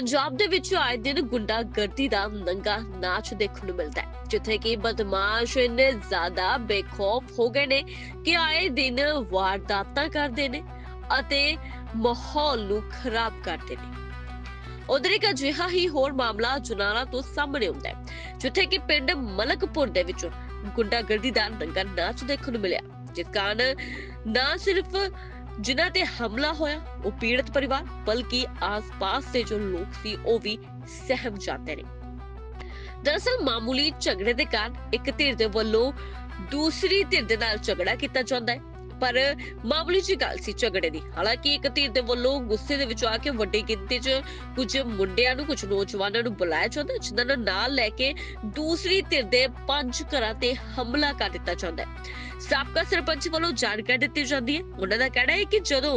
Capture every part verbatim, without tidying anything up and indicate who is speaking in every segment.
Speaker 1: ਪੰਜਾਬ ਦੇ ਵਿੱਚ ਆਏ ਦਿਨ ਗੁੰਡਾਗਰਦੀ ਦਾ ਨੰਗਾ ਨਾਚ ਦੇਖਣ ਨੂੰ ਮਿਲਦਾ ਹੈ, ਜਿੱਥੇ ਕਿ ਬਦਮਾਸ਼ ਇੰਨੇ ਜ਼ਿਆਦਾ ਬੇਖੌਫ ਹੋ ਗਏ ਨੇ ਕਿ ਆਏ ਦਿਨ ਵਾਰਦਾਤਾਂ ਕਰਦੇ ਨੇ ਅਤੇ ਮਾਹੌਲ ਨੂੰ ਖਰਾਬ ਕਰਦੇ ਨੇ। ਉਧਰ ਇੱਕ ਅਜਿਹਾ ਹੀ ਹੋਰ ਮਾਮਲਾ ਜੁਨਾਲਾ ਤੋਂ ਸਾਹਮਣੇ ਆਉਂਦਾ ਹੈ, ਜਿੱਥੇ ਕਿ ਪਿੰਡ ਮਲਕਪੁਰ ਦੇ ਵਿੱਚ ਗੁੰਡਾਗਰਦੀ ਦਾ ਨੰਗਾ ਨਾਚ ਦੇਖਣ ਨੂੰ ਮਿਲਿਆ, ਜਿਸ ਕਾਰਨ ਨਾ ਸਿਰਫ ਜਿਨ੍ਹਾਂ ਤੇ ਹਮਲਾ ਹੋਇਆ ਉਹ ਪੀੜਤ ਪਰਿਵਾਰ ਬਲਕਿ ਆਸ-ਪਾਸ ਦੇ ਜੋ ਲੋਕ ਸੀ ਉਹ ਵੀ ਸਹਿਮ ਜਾਂਦੇ ਨੇ। ਦਰਅਸਲ ਮਾਮੂਲੀ ਝਗੜੇ ਦੇ ਕਾਰਨ ਇੱਕ ਧਿਰ ਦੇ ਵੱਲੋਂ ਦੂਸਰੀ ਧਿਰ ਦੇ ਨਾਲ ਝਗੜਾ ਕੀਤਾ ਜਾਂਦਾ ਹੈ, ਪਰ ਮਾਮੂਲੀ ਜਿਹੀ ਗੱਲ ਸੀ ਝਗੜੇ ਦੀ। ਹਾਲਾਂਕਿ ਇੱਕ ਧਿਰ ਦੇ ਵੱਲੋਂ ਗੁੱਸੇ ਦੇ ਵਿੱਚ ਆ ਕੇ ਵੱਡੀ ਗਿਣਤੀ 'ਚ ਕੁਝ ਮੁੰਡਿਆਂ ਨੂੰ ਕੁਝ ਨੌਜਵਾਨਾਂ ਨੂੰ ਬੁਲਾਇਆ ਜਾਂਦਾ, ਜਿਨ੍ਹਾਂ ਨੂੰ ਨਾਲ ਲੈ ਕੇ ਦੂਸਰੀ ਧਿਰ ਦੇ ਪੰਜ ਘਰਾਂ ਤੇ ਹਮਲਾ ਕਰ ਦਿੱਤਾ ਜਾਂਦਾ ਹੈ। ਸਾਬਕਾ ਸਰਪੰਚ ਵੱਲੋਂ ਜਾਣਕਾਰੀ ਦਿੱਤੀ ਜਾਂਦੀ ਹੈ। ਉਹਨਾਂ ਦਾ ਕਹਿਣਾ ਹੈ ਕਿ ਜਦੋਂ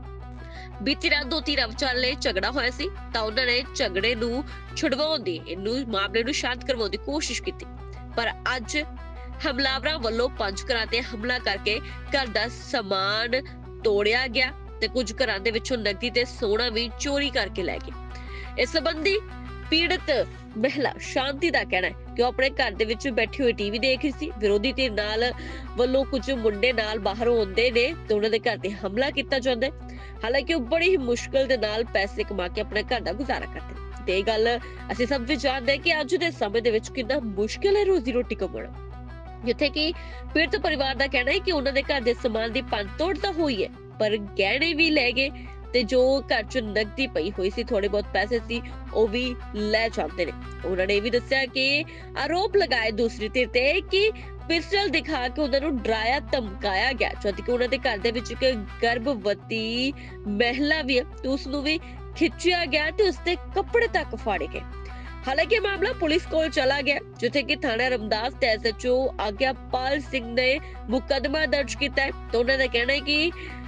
Speaker 1: ਬੀਤੀ ਰਾਤ ਦੋ ਧਿਰਾਂ ਵਿਚਾਲੇ ਝਗੜਾ ਹੋਇਆ ਸੀ ਤਾਂ ਉਹਨਾਂ ਨੇ ਝਗੜੇ ਨੂੰ ਛੁਡਵਾਉਣ ਦੀ ਇਹਨੂੰ ਮਾਮਲੇ ਨੂੰ ਸ਼ਾਂਤ ਕਰਵਾਉਣ ਦੀ ਕੋਸ਼ਿਸ਼ ਕੀਤੀ, ਪਰ ਅੱਜ ਹਮਲਾਵਰਾਂ ਵੱਲੋਂ ਪੰਜ ਘਰਾਂ ਤੇ ਹਮਲਾ ਕਰਕੇ ਘਰ ਦਾ ਸਮਾਨ ਤੋੜਿਆ ਗਿਆ ਤੇ ਕੁਝ ਘਰਾਂ ਦੇ ਵਿੱਚੋਂ ਨਕਦੀ ਤੇ ਸੋਨਾ ਵੀ ਚੋਰੀ ਕਰਕੇ ਲੈ ਗਏ। ਇਸ ਸੰਬੰਧੀ ਪੀੜਤ ਮਹਿਲਾ ਸ਼ਾਂਤੀ ਦਾ ਕਹਿਣਾ ਹੈ ਕਿ ਉਹ ਆਪਣੇ ਘਰ ਦੇ ਵਿੱਚ ਬੈਠੀ ਹੋਈ ਟੀਵੀ ਦੇਖ ਰਹੀ ਸੀ। ਵਿਰੋਧੀ ਧਿਰ ਨਾਲ ਵੱਲੋਂ ਕੁਝ ਮੁੰਡੇ ਨਾਲ ਬਾਹਰੋਂ ਆਉਂਦੇ ਨੇ ਤੇ ਉਹਨਾਂ ਦੇ ਘਰ ਤੇ ਹਮਲਾ ਕੀਤਾ ਜਾਂਦਾ ਹੈ। ਹਾਲਾਂਕਿ ਉਹ ਬੜੀ ਹੀ ਮੁਸ਼ਕਲ ਦੇ ਨਾਲ ਪੈਸੇ ਕਮਾ ਕੇ ਆਪਣੇ ਘਰ ਦਾ ਗੁਜ਼ਾਰਾ ਕਰਦੇ ਨੇ ਤੇ ਇਹ ਗੱਲ ਅਸੀਂ ਸਭ ਵੀ ਜਾਣਦੇ ਹਾਂ ਕਿ ਅੱਜ ਦੇ ਸਮੇਂ ਦੇ ਵਿੱਚ ਕਿੰਨਾ ਮੁਸ਼ਕਲ ਹੈ ਰੋਜ਼ੀ ਰੋਟੀ ਕਮਾਉਣਾ, ਜਿੱਥੇ ਕਿ ਪੀੜਤ ਪਰਿਵਾਰ ਦਾ ਕਹਿਣਾ ਹੈ ਕਿ ਉਹਨਾਂ ਦੇ ਘਰ ਦੇ ਸਮਾਨ ਦੀ ਭੰਨ ਤੋੜ ਤਾਂ ਹੋਈ ਹੈ, ਪਰ ਗਹਿਣੇ ਵੀ ਲੈ ਗਏ ਤੇ ਜੋ ਘਰ 'ਚ ਨਕਦੀ ਪਈ ਹੋਈ ਸੀ, ਥੋੜੇ ਬਹੁਤ ਪੈਸੇ ਸੀ, ਉਹ ਵੀ ਲੈ ਜਾਂਦੇ ਨੇ। ਉਹਨਾਂ ਨੇ ਇਹ ਵੀ ਦੱਸਿਆ ਕਿ ਆਰੋਪ ਲਗਾਏ ਦੂਸਰੀ ਧਿਰ ਤੇ ਕਿ ਪਿਸਟਲ ਦਿਖਾ ਕੇ ਉਹਨਾਂ ਨੂੰ ਡਰਾਇਆ ਧਮਕਾਇਆ ਗਿਆ, ਜਦ ਕਿ ਉਹਨਾਂ ਦੇ ਘਰ ਦੇ ਵਿੱਚ ਇੱਕ ਗਰਭਵਤੀ ਮਹਿਲਾ ਵੀ ਹੈ ਤੇ ਉਸ ਨੂੰ ਵੀ ਖਿੱਚਿਆ ਗਿਆ ਤੇ ਉਸਦੇ ਕੱਪੜੇ ਤੱਕ ਫਾੜੇ ਗਏ। ਹਾਲਾਂਕਿ ਮਾਮਲਾ ਪੁਲਿਸ ਕੋਲ ਚਲਾ ਗਿਆ, ਜਿੱਥੇ ਕਿ ਥਾਣਾ ਰਮਦਾਸ ਤੇ S H O Agyapal Singh ਨੇ ਮੁਕੱਦਮਾ ਦਰਜ ਕੀਤਾ ਹੈ। ਤੇ ਉਹਨਾਂ ਦਾ ਕਹਿਣਾ ਹੈ ਕਿ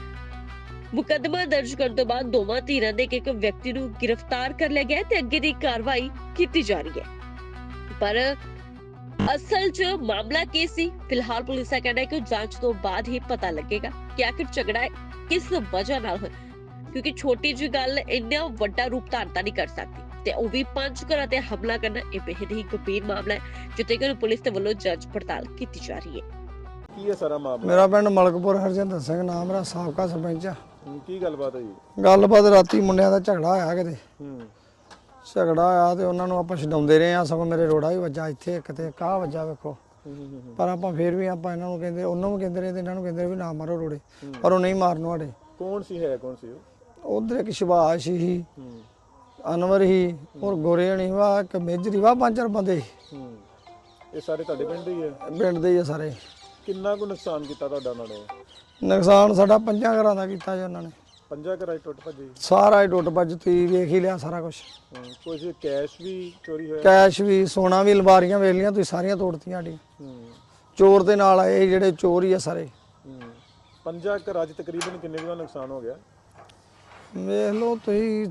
Speaker 1: ਮੁਕੱਦਮਾ ਦਰਜ ਕਰਨ ਤੋਂ ਬਾਅਦ ਦੋਵਾਂ ਧਿਰਾਂ ਦੇ ਇੱਕ ਵਿਅਕਤੀ ਨੂੰ ਗ੍ਰਿਫਤਾਰ ਕਰ ਲਿਆ ਗਿਆ ਤੇ ਅੱਗੇ ਦੀ ਕਾਰਵਾਈ ਕੀਤੀ ਜਾ ਰਹੀ ਹੈ। ਪਰ ਅਸਲ 'ਚ ਮਾਮਲਾ ਕੀ ਸੀ, ਫਿਲਹਾਲ ਪੁਲਿਸ ਦਾ ਕਹਿਣਾ ਹੈ ਕਿ ਜਾਂਚ ਤੋਂ ਬਾਅਦ ਹੀ ਪਤਾ ਲੱਗੇਗਾ ਕਿ ਆਖਿਰ ਝਗੜਾ ਕਿਸ ਵਜ੍ਹਾ ਨਾਲ ਹੋਇਆ, ਕਿਉਂਕਿ ਛੋਟੀ ਜਿਹੀ ਗੱਲ ਇੰਨਾ ਵੱਡਾ ਰੂਪ ਧਾਰਨ ਨਹੀਂ ਕਰ ਸਕਦੀ ਤੇ ਉਹ ਵੀ ਪੰਜ ਘਰਾਂ ਤੇ ਹਮਲਾ ਕਰਨਾ ਇਹ ਬੇਹੱਦ ਹੀ ਗੰਭੀਰ ਮਾਮਲਾ ਹੈ, ਜਿੱਥੇ ਕਿ ਪੁਲਿਸ ਦੇ ਵੱਲੋਂ ਜਾਂਚ ਪੜਤਾਲ ਕੀਤੀ ਜਾ ਰਹੀ ਹੈ।
Speaker 2: ਕੀ ਹੈ ਸਾਰਾ ਮਾਮਲਾ?
Speaker 3: ਮੇਰਾ ਪਿੰਡ ਮਲਕਪੁਰ ਹਰਜਿੰਦਰ ਸਿੰਘ ਨਾਮ, ਮੇਰਾ ਸਾਬਕਾ ਸਰਪੰਚ ਆ।
Speaker 2: ਕੀ ਗੱਲਬਾਤ ਹੈ ਜੀ?
Speaker 3: ਗੱਲਬਾਤ ਰਾਤੀ ਮੁੰਡਿਆਂ ਦਾ ਝਗੜਾ ਹੋਇਆ ਕਿਤੇ,
Speaker 2: ਹੂੰ
Speaker 3: ਝਗੜਾ ਆਇਆ ਤੇ ਉਹਨਾਂ ਨੂੰ ਆਪਾਂ ਛਡਾਉਂਦੇ ਰਹੇ ਆ, ਸਗੋਂ ਮੇਰੇ ਰੋੜਾ ਵੀ ਵੱਜਾ ਇੱਥੇ ਇੱਕ ਤੇ ਕਾਹ ਵੱਜਾ ਵੇਖੋ, ਪਰ ਆਪਾਂ ਫੇਰ ਵੀ ਆਪਾਂ ਇਹਨਾਂ ਨੂੰ ਕਹਿੰਦੇ, ਉਹਨਾਂ ਨੂੰ ਕਹਿੰਦੇ ਰਹੇ ਤੇ ਇਹਨਾਂ ਨੂੰ ਕਹਿੰਦੇ ਵੀ ਨਾ ਮਾਰੋ ਰੋੜੇ, ਪਰ ਉਹ ਨਹੀਂ ਮਾਰਨ ਵਾਲੇ।
Speaker 2: ਕੌਣ ਸੀ, ਹੈ ਕੌਣ ਸੀ ਉਹ?
Speaker 3: ਉਧਰ ਇੱਕ ਸ਼ਿਵਾਸ਼ ਹੀ, ਅਨਵਰ ਹੀ, ਔਰ ਗੋਰੇ ਹਣੀ ਵਾ, ਇੱਕ ਮੇਜਰੀ ਵਾ, ਪੰਜ ਚਾਰ ਬੰਦੇ।
Speaker 2: ਹੂੰ ਇਹ ਸਾਰੇ ਤੁਹਾਡੇ ਪਿੰਡ ਦੇ ਹੀ ਹੈ?
Speaker 3: ਪਿੰਡ ਦੇ ਹੀ ਆ ਸਾਰੇ।
Speaker 2: ਕਿੰਨਾ ਕੁ ਨੁਕਸਾਨ ਕੀਤਾ ਤੁਹਾਡਾ ਉਹਨਾਂ ਨੇ?
Speaker 3: ਨੁਕਸਾਨ ਸਾਡਾ ਪੰਜਾਂ ਘਰਾਂ ਦਾ ਕੀਤਾ ਜੀ ਉਹਨਾਂ ਨੇ।
Speaker 2: ਪੰਜਾਂ ਘਰਾਂ 'ਚ ਟੁੱਟ ਭੱਜੀ?
Speaker 3: ਸਾਰਾ ਹੀ ਟੁੱਟ ਭੱਜ, ਤੁਸੀਂ ਵੇਖ ਹੀ ਲਿਆ ਸਾਰਾ ਕੁਝ।
Speaker 2: ਕੁਝ ਕੈਸ਼ ਵੀ ਚੋਰੀ ਹੋਇਆ?
Speaker 3: ਕੈਸ਼ ਵੀ, ਸੋਨਾ ਵੀ, ਅਲਮਾਰੀਆਂ ਵੇਖ ਲਈਆਂ ਤੁਸੀਂ, ਸਾਰੀਆਂ ਤੋੜਤੀਆਂ ਸਾਡੀ। ਚੋਰ ਦੇ ਨਾਲ ਆਏ ਜਿਹੜੇ ਚੋਰ ਹੀ ਆ ਸਾਰੇ।
Speaker 2: ਪੰਜਾਂ ਘਰਾਂ 'ਚ ਤਕਰੀਬਨ ਕਿੰਨੇ ਕੁ ਦਾ ਨੁਕਸਾਨ ਹੋ ਗਿਆ?
Speaker 3: ਵੇਖ ਲਓ ਤੁਸੀਂ,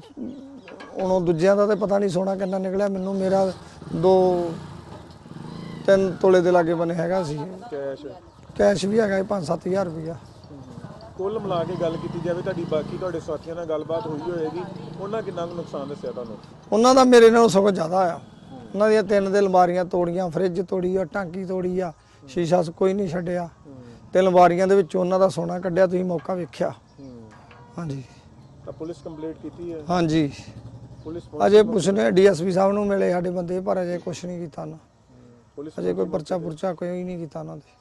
Speaker 3: ਹੁਣ ਦੂਜਿਆਂ ਦਾ ਤੇ ਪਤਾ ਨਹੀਂ ਸੋਨਾ ਕਿੰਨਾ ਨਿਕਲਿਆ, ਮੈਨੂੰ ਮੇਰਾ ਦੋ ਤਿੰਨ ਤੋਲੇ ਦੇ ਲਾਗੇ ਬਣੇ ਹੈਗਾ ਸੀ
Speaker 2: ਕੈਸ਼।
Speaker 3: ਕੈਸ਼ ਵੀ ਹੈਗਾ ਪੰਜ ਸੱਤ ਹਜ਼ਾਰ ਰੁਪਇਆ।
Speaker 2: ਕੁੱਲ ਮਿਲਾ ਕੇ ਗੱਲ ਕੀਤੀ ਜਾਵੇ, ਤੁਹਾਡੀ ਬਾਕੀ ਤੁਹਾਡੇ ਸਾਥੀਆਂ ਨਾਲ ਗੱਲਬਾਤ ਹੋਈ ਹੋਏਗੀ, ਉਹਨਾਂ ਕਿੰਨਾ ਕੁ ਨੁਕਸਾਨ ਦੱਸਿਆ ਤੁਹਾਨੂੰ? ਉਹਨਾਂ
Speaker 3: ਦਾ ਮੇਰੇ ਨਾਲੋਂ ਸਗੋਂ ਜ਼ਿਆਦਾ ਆ। ਉਹਨਾਂ ਦੀਆਂ ਤਿੰਨ ਦੇ ਅਲਮਾਰੀਆਂ ਤੋੜੀਆਂ, ਫਰਿੱਜ ਤੋੜੀ ਆ, ਟਾਂਕੀ ਤੋੜੀ ਆ, ਸ਼ੀਸ਼ਾ ਕੋਈ ਨਹੀਂ ਛੱਡਿਆ ਤੇ ਅਲਮਾਰੀਆਂ ਦੇ ਵਿੱਚ ਉਹਨਾਂ ਦਾ ਸੋਨਾ ਕੱਢਿਆ, ਤੁਸੀਂ ਮੌਕਾ ਵੇਖਿਆ। ਹਾਂਜੀ।
Speaker 2: ਤਾਂ ਪੁਲਿਸ ਕੰਪਲੇਂਟ ਕੀਤੀ ਹੈ?
Speaker 3: ਹਾਂਜੀ,
Speaker 2: ਪੁਲਿਸ
Speaker 3: ਅਜੇ ਪੁੱਛਨੇ ਡੀ ਐਸ ਪੀ ਸਾਹਿਬ ਨੂੰ ਮਿਲੇ ਸਾਡੇ ਬੰਦੇ, ਪਰ ਅਜੇ ਕੁਛ ਨਹੀਂ ਕੀਤਾ ਨਾ।
Speaker 2: ਪੁਲਿਸ
Speaker 3: ਅਜੇ ਕੋਈ ਪਰਚਾ ਪੁਰਚਾ ਕੋਈ ਨਹੀਂ ਕੀਤਾ ਉਹਨਾਂ ਦੇ।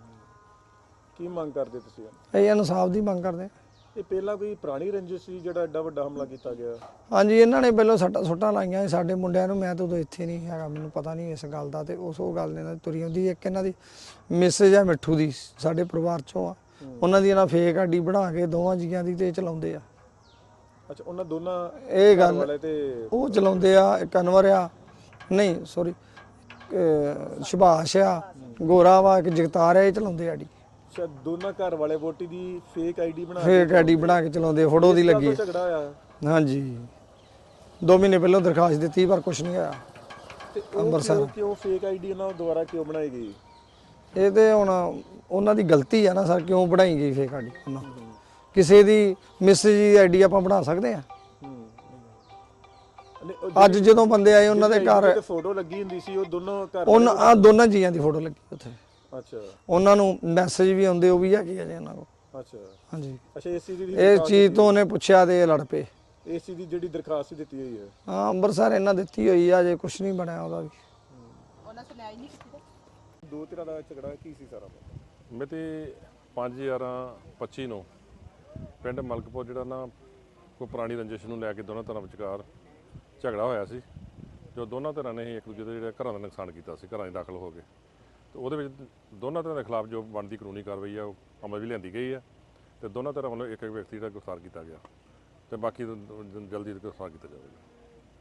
Speaker 2: ਕੀ ਮੰਗ ਕਰਦੇ ਤੁਸੀਂ?
Speaker 3: ਇਹ ਇਨਸਾਫ ਦੀ ਮੰਗ ਕਰਦੇ।
Speaker 2: ਇਹ ਪਹਿਲਾਂ ਕੋਈ ਪੁਰਾਣੀ ਰੰਜਿਸ਼ ਸੀ ਜਿਹੜਾ ਐਡਾ ਵੱਡਾ ਹਮਲਾ ਕੀਤਾ ਗਿਆ?
Speaker 3: ਹਾਂਜੀ, ਇਹਨਾਂ ਨੇ ਪਹਿਲਾਂ ਸੱਟਾਂ ਸੁੱਟਾਂ ਲਾਈਆਂ ਸੀ ਸਾਡੇ ਮੁੰਡਿਆਂ ਨੂੰ। ਮੈਂ ਤਾਂ ਉਦੋਂ ਇੱਥੇ ਨਹੀਂ ਹੈਗਾ, ਮੈਨੂੰ ਪਤਾ ਨਹੀਂ ਇਸ ਗੱਲ ਦਾ, ਤੇ ਉਸ ਉਹ ਗੱਲ ਇਹਨਾਂ ਦੀ ਤੁਰੀ ਆਉਂਦੀ। ਇੱਕ ਇਹਨਾਂ ਦੀ ਮੈਸੇਜ ਹੈ ਮਿੱਠੂ ਦੀ, ਸਾਡੇ ਪਰਿਵਾਰ ਚੋਂ ਆ, ਉਹਨਾਂ ਦੀ ਇਹਨਾਂ ਫੇਕ ਆਡੀ ਬਣਾ ਕੇ ਦੋਵਾਂ ਜੀਆਂ ਦੀ ਤੇ ਚਲਾਉਂਦੇ ਆ।
Speaker 2: ਅੱਛਾ, ਉਹਨਾਂ ਦੋਨਾਂ
Speaker 3: ਇਹ ਗੱਲ
Speaker 2: ਵਾਲੇ ਤੇ
Speaker 3: ਉਹ ਚਲਾਉਂਦੇ ਆ। ਇੱਕ ਅਨਵਰ ਆ, ਨਹੀਂ ਸੌਰੀ ਸੁਭਾਸ਼ ਆ, ਗੋਰਾ ਵਾ, ਇੱਕ ਜਗਤਾਰ ਆ, ਇਹ ਚਲਾਉਂਦੇ ਆਡੀ।
Speaker 2: ਅੱਛਾ, ਦੋਨਾਂ ਘਰ ਵਾਲੇ ਵੋਟੀ ਦੀ ਫੇਕ ਆਈਡੀ ਬਣਾ ਕੇ
Speaker 3: ਫੇਕ ਆਈਡੀ ਬਣਾ ਕੇ ਚਲਾਉਂਦੇ, ਫੋਟੋ ਦੀ ਲੱਗੀ।
Speaker 2: ਝਗੜਾ ਹੋਇਆ?
Speaker 3: ਹਾਂਜੀ, ਦੋ ਮਹੀਨੇ ਪਹਿਲਾਂ ਦਰਖਾਸਤ ਦਿੱਤੀ ਪਰ ਕੁਝ ਨਹੀਂ ਆਇਆ।
Speaker 2: ਤੇ ਅੰਮ੍ਰਿਤਸਰ ਕਿਉਂ ਫੇਕ ਆਈਡੀ ਉਹਨਾਂ ਦੁਆਰਾ ਕਿਉਂ ਬਣਾਈ ਗਈ?
Speaker 3: ਇਹ ਤੇ ਹੁਣ ਉਹਨਾਂ ਦੀ ਗਲਤੀ ਆ ਨਾ ਸਰ, ਕਿਉਂ ਬਣਾਈ ਗਈ ਫੇਕ ਆਈਡੀ? ਉਹਨਾਂ ਕਿਸੇ ਦੀ ਮੈਸੇਜ ਦੀ ਆਈਡੀ ਆਪਾਂ ਬਣਾ ਸਕਦੇ ਆ?
Speaker 2: ਨਹੀਂ, ਉਹ
Speaker 3: ਅੱਜ ਜਦੋਂ ਬੰਦੇ ਆਏ ਉਹਨਾਂ ਦੇ ਘਰ
Speaker 2: ਤੇ ਫੋਟੋ ਲੱਗੀ ਹੁੰਦੀ ਸੀ, ਉਹ ਦੋਨੋਂ ਘਰ
Speaker 3: ਉਹਨਾਂ ਆ ਦੋਨਾਂ ਜੀਆਂ ਦੀ ਫੋਟੋ ਲੱਗੀ ਉੱਥੇ।
Speaker 2: ਅੱਛਾ
Speaker 3: ਉਹਨਾਂ ਨੂੰ ਮੈਸੇਜ ਵੀ ਆਉਂਦੇ, ਉਹ ਵੀ ਹੈਗੇ ਆ ਜੀ ਉਹਨਾਂ ਕੋਲ।
Speaker 2: ਅੱਛਾ
Speaker 3: ਹਾਂਜੀ,
Speaker 2: ਅੱਛਾ ਇਸ ਚੀਜ਼ ਦੀ
Speaker 3: ਇਸ ਚੀਜ਼ ਤੋਂ ਉਹਨੇ ਪੁੱਛਿਆ ਤੇ ਇਹ ਲੜ ਪਏ।
Speaker 2: ਇਸ ਚੀਜ਼ ਦੀ ਜਿਹੜੀ ਦਰਖਾਸਤ ਦਿੱਤੀ ਹੋਈ ਹੈ।
Speaker 3: ਹਾਂ, ਅੰਮ੍ਰਿਤਸਰ ਇਹਨਾਂ ਦਿੱਤੀ ਹੋਈ ਆ, ਜੇ ਕੁਝ ਨਹੀਂ ਬਣਿਆ ਉਹਦਾ ਵੀ।
Speaker 2: ਦੋ ਧਿਰਾਂ ਦਾ ਝਗੜਾ ਕੀ ਸੀ ਸਾਰਾ?
Speaker 4: ਮਿਤੀ ਪੰਜ ਗਿਆਰਾਂ ਪੱਚੀ ਨੂੰ ਪਿੰਡ ਮਲਕਪੁਰ ਜਿਹੜਾ ਨਾ ਕੋਈ ਪੁਰਾਣੀ ਰੰਜਿਸ਼ ਨੂੰ ਲੈ ਕੇ ਦੋਨਾਂ ਧਿਰਾਂ ਵਿਚਕਾਰ ਝਗੜਾ ਹੋਇਆ ਸੀ, ਜੋ ਦੋਨਾਂ ਧਿਰਾਂ ਨੇ ਹੀ ਇੱਕ ਦੂਜੇ ਦੇ ਜਿਹੜੇ ਘਰਾਂ ਦਾ ਨੁਕਸਾਨ ਕੀਤਾ ਸੀ, ਘਰਾਂ 'ਚ ਦਾਖਲ ਹੋ ਕੇ। ਤੇ ਉਹਦੇ ਵਿੱਚ ਦੋਨਾਂ ਧਿਰਾਂ ਦੇ ਖਿਲਾਫ ਜੋ ਬਣਦੀ ਕਾਨੂੰਨੀ ਕਾਰਵਾਈ ਆ ਉਹ ਅਮਲ ਵੀ ਲਿਆਂਦੀ ਗਈ ਹੈ, ਤੇ ਦੋਨਾਂ ਧਿਰਾਂ ਵੱਲੋਂ ਇੱਕ ਇੱਕ ਵਿਅਕਤੀ ਜਿਹੜਾ ਗ੍ਰਿਫਤਾਰ ਕੀਤਾ ਗਿਆ, ਤੇ ਬਾਕੀ ਜਲਦੀ ਗ੍ਰਿਫਤਾਰ ਕੀਤਾ ਜਾਵੇਗਾ।